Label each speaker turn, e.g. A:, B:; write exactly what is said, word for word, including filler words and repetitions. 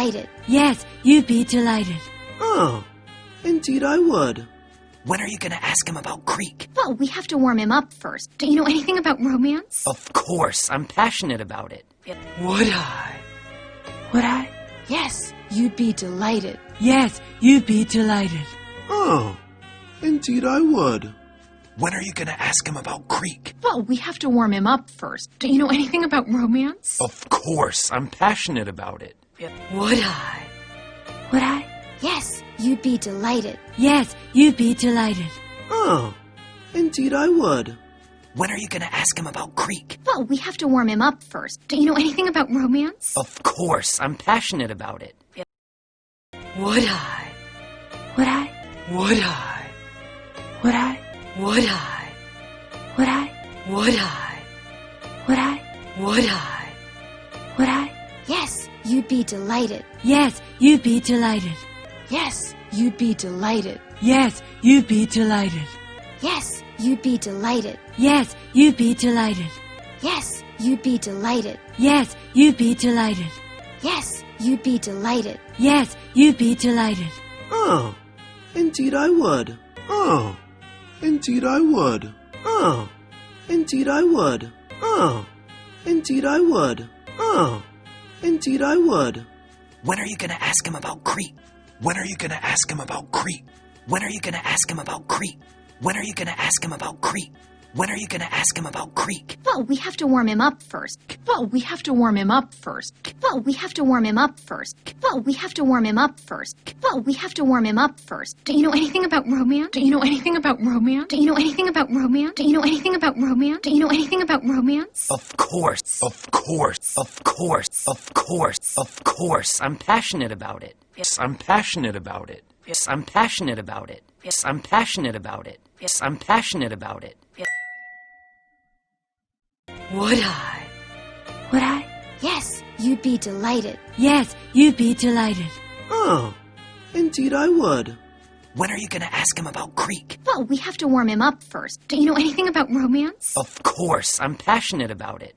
A: delighted.
B: Yes, you'd be delighted.
C: Oh, indeed I would.
D: When are you going to ask him about Greek?
A: Well, we have to warm him up first. Do you know anything about romance?
D: Of course, I'm passionate about it.
C: Would I?
B: Would I?
A: Yes, you'd be delighted.
B: Yes, you'd be delighted.
C: Oh, indeed I would.
D: When are you going to ask him about Greek?
A: Well, we have to warm him up first. Do you know anything about romance?
D: Of course, I'm passionate about it.
C: Would I?
B: Would I?
A: Yes, you'd be delighted.
B: Yes, you'd be delighted.
C: Oh, indeed I would.
D: When are you going to ask him about Greek?
A: Well, we have to warm him up first. Do you know anything about romance?
D: Of course, I'm passionate about it.
C: Would I?
B: Would I?
C: Would I?
B: Would I?
C: Would I?
B: Would I?
C: Would I?
B: Would I?
C: Would I?
B: Would I?
A: Yes, you'd be delighted.
B: Yes, you'd be delighted.
A: Yes, you'd be delighted.
B: Yes, you'd be delighted.
A: Yes, you'd be delighted.
B: Yes, you'd be delighted.
A: Yes, you'd be delighted.
B: Yes, you'd be delighted.
A: Yes, you'd be delighted.
B: Yes, you'd be delighted.
C: Oh, indeed I would. Oh, indeed I would. Oh, indeed I would. Oh, indeed I would. Oh, indeed I would.
D: When are you going to ask him about Greek? When are you going to ask him about Greek? When are you going to ask him about Greek? When are you going to ask him about Greek? When are you going to ask him about Greek?
A: Well, we have to warm him up first. Well, we have to warm him up first. Well, we have to warm him up first. Well, we have to warm him up first. Well, we have to warm him up first. Do you know anything about romance? Do you know anything about romance? Do you know anything about romance? Do you know anything about romance? Do you know anything about romance?
D: Of course, of course, of course, of course, of course, I'm passionate about it. Yes, I'm passionate about it. Yes, I'm passionate about it. Yes, I'm passionate about it. Yes, I'm passionate about it.
C: Would I?
B: Would I?
A: Yes, you'd be delighted.
B: Yes, you'd be delighted.
C: Oh, indeed I would.
D: When are you going to ask him about Greek?
A: Well, we have to warm him up first. Do you know anything about romance?
D: Of course, I'm passionate about it.